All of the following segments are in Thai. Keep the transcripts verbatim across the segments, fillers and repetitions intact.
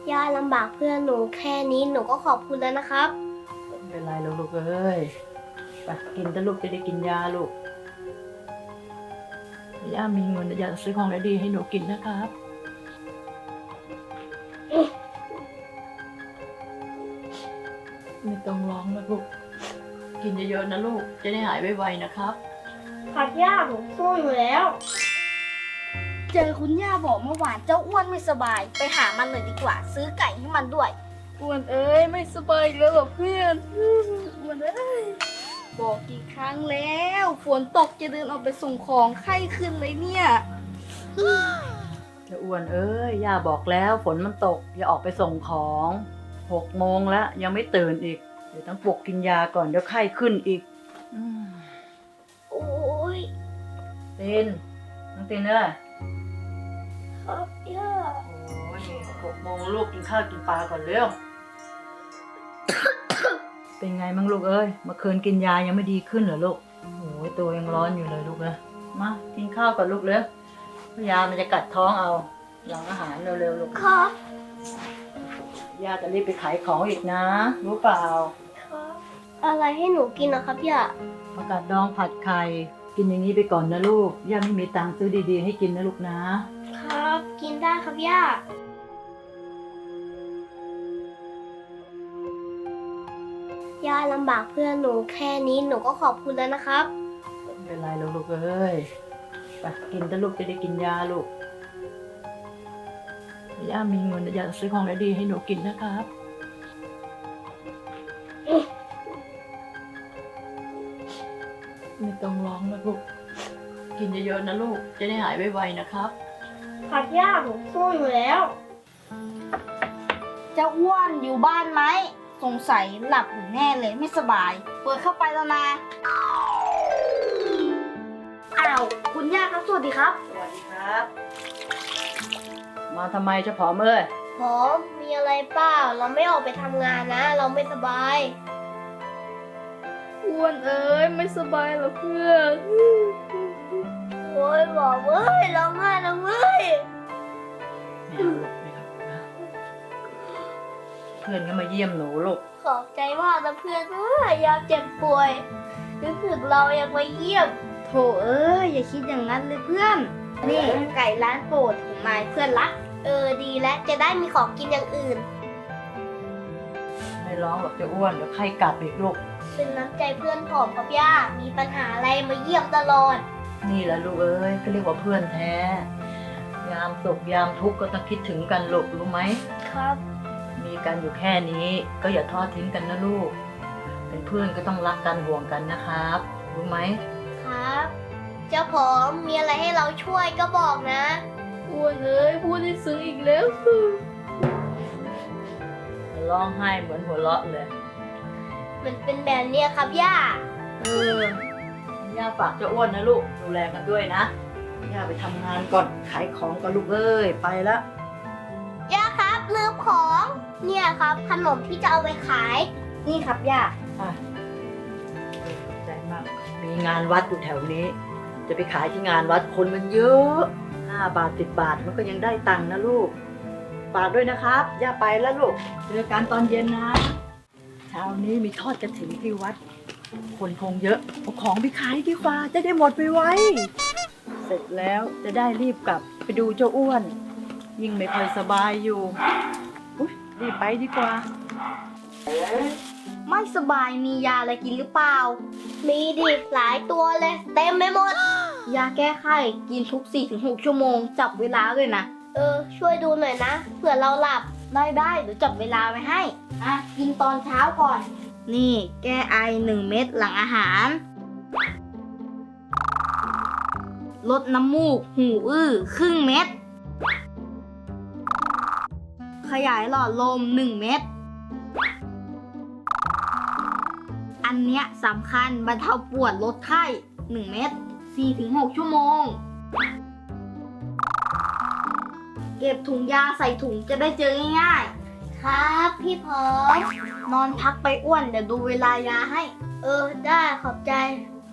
ย่าลำบากเพื่อนหนูแค่นี้หนูก็ขอบคุณแล้วนะครับไม่เป็นไรแล้วลูกเอ้ยไปกินแต่ลูกจะได้กินยาลูกย่ามีเงินอยากซื้อของดีๆให้หนูกินนะครับไม่ต้องร้องนะลูกกินเยอะๆนะลูกจะได้หายไวๆนะครับครับย่าผมสู้อยู่แล้วเจอคุณย่าบอกเมื่อวานเจ้าอ้วนไม่สบายไปหามันเลยดีกว่าซื้อไก่ให้มันด้วยอ้วนเอ้ยไม่สบายอีกแล้วเหรอเพื่อนอ้วนเอ้ยบอกกี่ครั้งแล้วฝนตกจะเดินออกไปส่งของไข้ขึ้นเลยเนี่ยเจ้าอ้วนเอ้ยย่าบอกแล้วฝนมันตกอย่าออกไปส่งของหกโมงแล้วยังไม่ตื่นอีกเดี๋ยวต้องปลุกกินยาก่อนเดี๋ยวไข้ขึ้นอีกโอ้ยตินน้องตินเอ้ยครับย่าโอ้ยหกโมงลูกกินข้าวกินปลาก่อนเร็ว เป็นไงมั่งลูกเอ้ยเมื่อคืนกินยายังไม่ดีขึ้นเหรอลูกโอ้ยตัวยังร้อนอยู่เลยลูกเลยมากินข้าวก่อนลูกเร็วยามันจะกัดท้องเอาหลังอาหารเร็วๆลูกครับยาจะรีบไปขายของอีกนะรู้เปล่าครับอะไรให้หนูกินนะครับย่าผักกาดดองผัดไข่กินอย่างนี้ไปก่อนนะลูกย่าไม่มีตังค์ซื้อดีๆให้กินนะลูกนะครับกินได้ครับย่าย่าลำบากเพื่อนหนูแค่นี้หนูก็ขอบคุณแล้วนะครับไม่เป็นไรแล้วลูกเอ้ยไปกินแต่ลูกจะได้กินยาลูกย่ามีเงินอยากซื้อของดีๆให้หนูกินนะครับไม่ต้องร้องนะลูกกินเยอะๆนะลูกจะได้หายไวๆนะครับครับย่าผมสู้อยู่แล้วเจ้าอ้วนอยู่บ้านไหมสงสัยหลับอยู่แน่เลยไม่สบายเปิดเข้าไปแล้วนะอ้าวคุณย่าครับสวัสดีครับสวัสดีครับมาทำไมเจ้าผอมเอ้ยผมมีอะไรเปล่าเราไม่ออกไปทำงานนะเราไม่สบายอ้วนเอ้ยไม่สบายเหรอเพื่อนโอ้ยบอกเว้ยร้องไห้นะเว้ยไม่เอาลูกไม่เอานะเพื่อนก็มาเยี่ยมหนูลูกขอบใจมากนะเพื่อนเอ้ยยามเจ็บป่วยนึกถึงเรายังมาเยี่ยมโถเอ้ยอย่าคิดอย่างนั้นเลยเพื่อนนี่ไก่ร้านโปรดของนายเพื่อนรักเออดีแล้วจะได้มีของกินอย่างอื่นไม่ร้องหรอกจะอ้วนเดี๋ยวไข้กลับอีกลูกเป็นน้ำใจเพื่อนผมครับย่ามีปัญหาอะไรมาเยี่ยมตลอดนี่แหละลูกเอ้ยก็เรียกว่าเพื่อนแท้ยามสุขยามทุกข์ก็ต้องคิดถึงกันลูกรู้ไหมครับมีกันอยู่แค่นี้ก็อย่าทอดทิ้งกันนะลูกเป็นเพื่อนก็ต้องรักกันห่วงกันนะครับรู้ไหมครับเจ้าผมมีอะไรให้เราช่วยก็บอกนะอ้วนเอ้ยพูดให้ซึ้งอีกแล้วร้องไห้เหมือนหัวเราะเลยมันเป็นแบบนี้ครับย่าเออย่าฝากเจ้าอ้วนนะลูกดูแลกันด้วยนะย่าไปทำงานก่อนขายของก่อนลูกเอ้ยไปละย่าครับลืมของเนี่ยครับขนมที่จะเอาไปขายนี่ครับย่าอ่ะขอบใจมากมีงานวัดอยู่แถวนี้จะไปขายที่งานวัดคนมันเยอะห้าบาทสิบบาทมันก็ยังได้ตังค์นะลูกฝากด้วยนะครับย่าไปแล้วลูกเจอกันตอนเย็นนะเช้านี้มีทอดกระถิ่นที่วัดคนคงเยอะเอาของไปขายดีกว่าจะได้หมดไปไวเสร็จแล้วจะได้รีบกลับไปดูเจ้าอ้วนยิ่งไม่ค่อยสบายอยู่อุ๊ยรีบไปดีกว่าไม่สบายมียาอะไรกินหรือเปล่ามีดิหลายตัวเลยเต็มไปหมดยาแก้ไข้กินทุก สี่ถึงหก ชั่วโมงจับเวลาเลยนะเออช่วยดูหน่อยนะเผื่อเราหลับได้ได้เดี๋ยวจับเวลาไว้ให้อ่ะกินตอนเช้าก่อนนี่แก้ไอหนึ่งเม็ดหลังอาหารลดน้ำมูกหูอื้อครึ่งเม็ดขยายหลอดลมหนึ่งเม็ดอันเนี้ยสำคัญบรรเทาปวดลดไข้หนึ่งเม็ด สี่ถึงหก ชั่วโมงเก็บถุงยาใส่ถุงจะได้เจอง่ายๆครับพี่พอมนอนพักไปอ้วนเดี๋ยวดูเวลายาให้เออได้ขอบใจ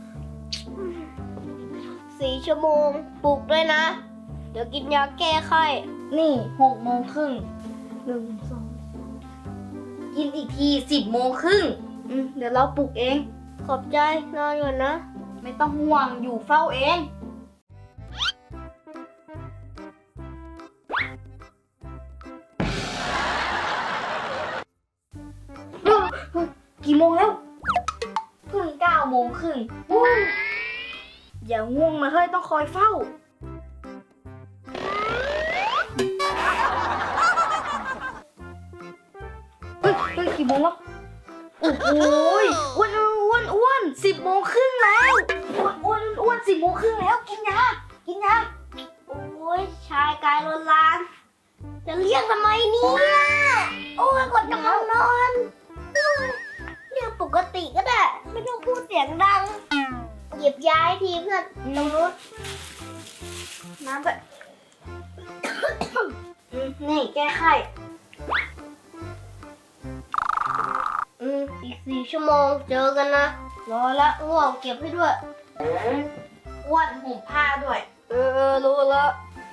สี่ชั่วโมงปลุกด้วยนะเดี๋ยวกินยาแก้ไข้นี่หกโมงครึ่งหนึ่งสองกินอีกทีสิบโมงครึ่งอืมเดี๋ยวเราปลุกเองขอบใจนอนก่อนนะไม่ต้องห่วงอยู่เฝ้าเองเฮ้ยเฮ้ยกี่โมงแล้วเพิ่งเก้าโมงครึ่งอู้อย่าง่วงนะเฮ้ยต้องคอยเฝ้าเฮ้ยเฮ้ยกี่โมงแล้วโอ้โหอ้วนอ้วนอ้วนสิบโมงครึ่งแล้วอ้วนอ้วนอ้วนสิบโมงครึ่งแล้วกินยากินยาโอ้ยชายกายโลลาน จะเรียกทำไมเนี่ยโอ้ยกดกำลังนอนโอ้ยเรียกปกติก็ได้ ไม่ต้องพูดเสียงดัง หยิบยาให้ทีเพื่อนตรงนู้นน้ำไปอืมนี่แก้ไข้อืมอีกสี่ชั่วโมงเจอกันนะ รอละง่วงเก็บให้ด้วยอ้วนห่มผ้าด้วย เออเออรู้แล้ว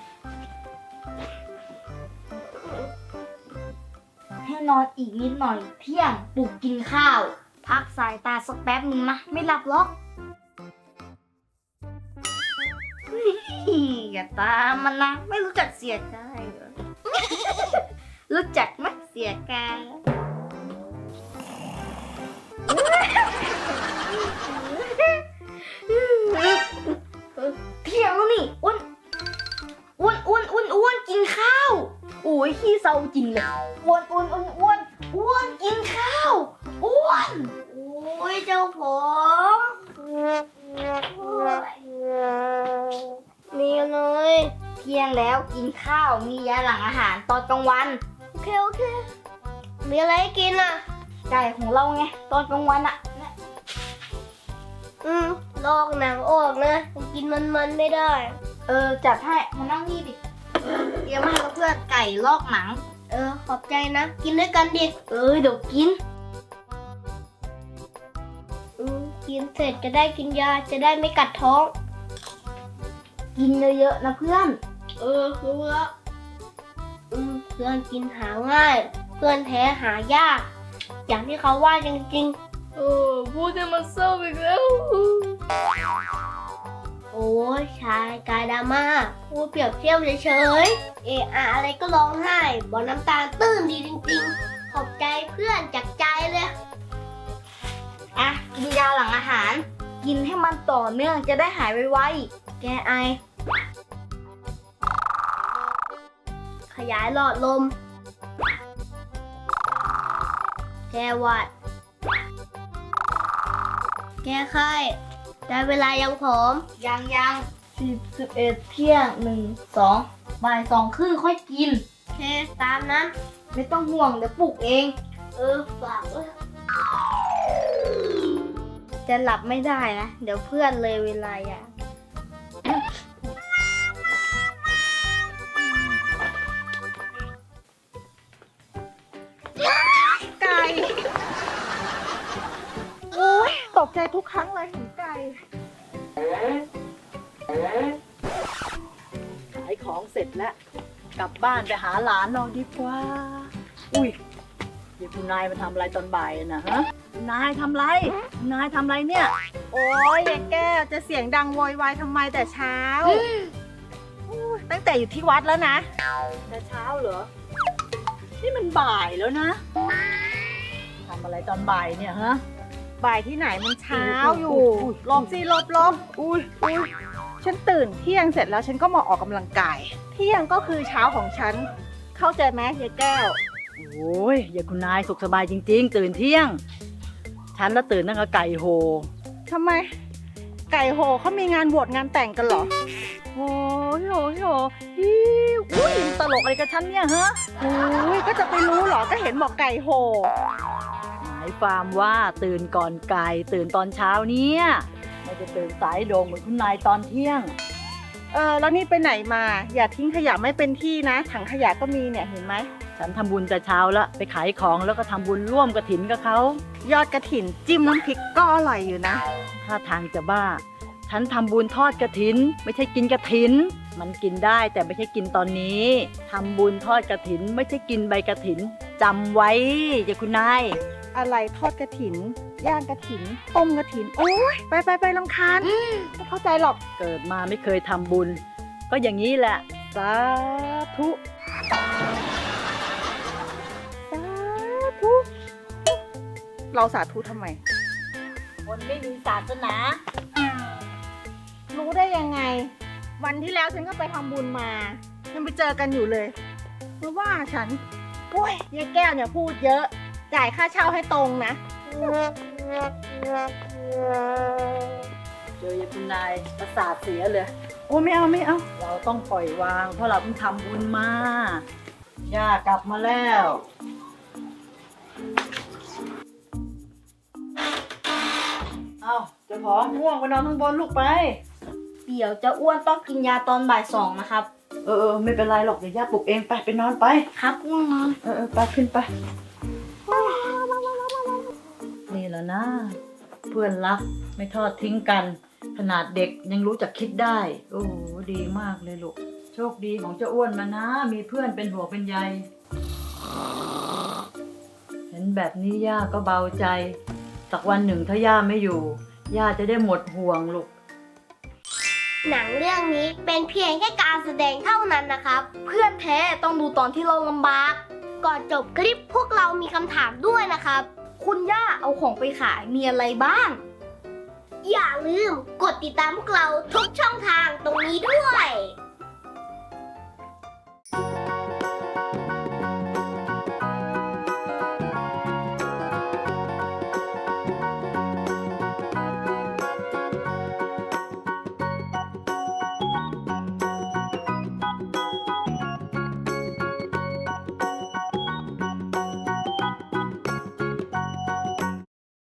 ให้นอนอีกนิดหน่อยเที่ยงปลุกกินข้าว พักสายตาสักแป๊บนึงนะไม่หลับหรอกอย่าตามมันนะไม่รู้จักเสียใจเหรอ รู้จักไหมเสียกายเที่ยงแล้วนี่อ้วนอ้วนอ้วนอ้วนอ้วนกินข้าวโอ้ยขี้เศร้าจริงเลยอ้วนอ้วนอ้วนอ้วนอ้วนกินข้าวอ้วนโอ้ยเจ้าผมโอ้ยมีเลยเที่ยงแล้วกินข้าวมียาหลังอาหารตอนกลางวันโอเคโอเค มีอะไรให้กินอ่ะไก่ของเราไงตอนกลางวันอะอืมลอกหนังออกนะกินมันๆไม่ได้เออจัดให้มานั่งนี่ดิเตรียมมาให้เพื่อนไก่ลอกหนังเออ ขอบใจนะ กินด้วยกันดิเออเดี๋ยวกินอืมกินเสร็จจะได้กินยาจะได้ไม่กัดท้องกินเยอะๆนะเพื่อนเออรู้แล้วอืมเพื่อนกินหาง่าย เพื่อนแท้หายาก อย่างที่เขาว่าจริงๆเออพูดให้มันเศร้าอีกแล้วโอ้ยชายกายดราม่าพูดเปรียบเทียบเฉยๆเอะอะอะไรก็ร้องไห้บอกน้ำตาตื้นดีจริงๆ ขอบใจเพื่อนจากใจเลยอ่ะกินยาหลังอาหาร กินให้มันต่อเนื่องจะได้หายไวๆแกไอขยายหลอดลม แก้หวัด แก้ไข้ ได้เวลายังผอมยังยังสิบสิบเอ็ดเที่ยงหนึ่งสองบ่ายสองครึ่งค่อยกินโอเค ตามนั้นไม่ต้องห่วงเดี๋ยวปลุกเองเออ ฝากด้วยจะหลับไม่ได้นะ เดี๋ยวเพื่อนเลยเวลาอ่ะไก่ โอ้ยตกใจทุกครั้งเลยเห็นไก่ขายของเสร็จแล้ว กลับบ้านไปหาหลานเราดีกว่า อุ้ยเดี๋ยวคุณนายมาทำอะไรตอนบ่ายนะฮะคุณนายทำไรคุณนายทำไรเนี่ยโอ้ยยายแก้วจะเสียงดังโวยวายทำไมแต่เช้าอู้ตั้งแต่อยู่ที่วัดแล้วนะแต่เช้าเหรอ นี่มันบ่ายแล้วนะทำอะไรตอนบ่ายเนี่ยฮะบ่ายที่ไหนมันเช้าอยู่อุ้ยหลบสิหลบหลบอุ้ยอุ้ยฉันตื่นเที่ยงเสร็จแล้วฉันก็มาออกกำลังกาย เที่ยงก็คือเช้าของฉัน เข้าใจไหมยายแก้วโอ้ยอย่าคุณนายสุขสบายจริงๆ ตื่นเที่ยง ฉันแล้วตื่นตั้งแต่ไก่โหทำไม ไก่โหเขามีงานบวชงานแต่งกันเหรอโอ้ยโหยโหฮิวอุ้ยตลกอะไรกับฉันเนี่ยฮะโอ้ยก็จะไปรู้เหรอ ก็เห็นบอกไก่โหหมายความว่าตื่นก่อนไก่ตื่นตอนเช้าเนี่ยไม่จะตื่นสายโดงเหมือนคุณนายตอนเที่ยงเออแล้วนี่ไปไหนมา อย่าทิ้งขยะไม่เป็นที่นะ ถังขยะก็มีเนี่ยเห็นไหมฉันทำบุญแต่เช้าแล้วไปขายของแล้วก็ทำบุญร่วมกฐินกับเขายอดกระถินจิ้มน้ำพริกก็อร่อยอยู่นะถ้าทางจะบ้า ฉันทำบุญทอดกฐิน ไม่ใช่กินกฐินมันกินได้แต่ไม่ใช่กินตอนนี้ทำบุญทอดกฐินไม่ใช่กินใบกฐินจำไว้จ้ะคุณนายอะไรทอดกระถิน ย่างกระถิน ต้มกระถิน โอ้ยไปไปไปรำคาญไม่เข้าใจหรอกเกิดมาไม่เคยทำบุญ ก็อย่างนี้แหละ สาธุสาธุ เราสาธุทำไมคนไม่มีศาสนารู้ได้ยังไง วันที่แล้วฉันก็ไปทำบุญมา ยังไปเจอกันอยู่เลยเพราะว่าฉัน โอ้ยยายแก้วเนี่ยพูดเยอะ จ่ายค่าเช่าให้ตรงนะเจอยายคุณนายประสาทเสียเลย โอ้ไม่เอาไม่เอา เราต้องปล่อยวาง เพราะเราเพิ่งทำบุญมา ย่ากลับมาแล้ว เอาเจะของง่วงไปนอนข้างบนลูกไปเดี๋ยวเจะอ้วนต้องกินยาตอนบ่ายสองนะครับเออเออไม่เป็นไรหรอกเดี๋ยวย่าปลุกเองไปไปนอนไปครับง่วงนอนเออเออไปขึ้นไป นี่แหละนะ เพื่อนรักไม่ทอดทิ้งกัน ขนาดเด็กยังรู้จักคิดได้ โอ้โหดีมากเลยลูก โชคดีของเจ้าอ้วนมานะ มีเพื่อนเป็นหัวเป็นใย เห็นแบบนี้ย่าก็เบาใจสักวันหนึ่งถ้าย่าไม่อยู่ ย่าจะได้หมดห่วงลูกหนังเรื่องนี้เป็นเพียงแค่การแสดงเท่านั้นนะครับเพื่อนแท้ต้องดูตอนที่เราลำบากก่อนจบคลิปพวกเรามีคำถามด้วยนะครับคุณย่าเอาของไปขายมีอะไรบ้างอย่าลืมกดติดตามพวกเราทุกช่องทางตรงนี้ด้วย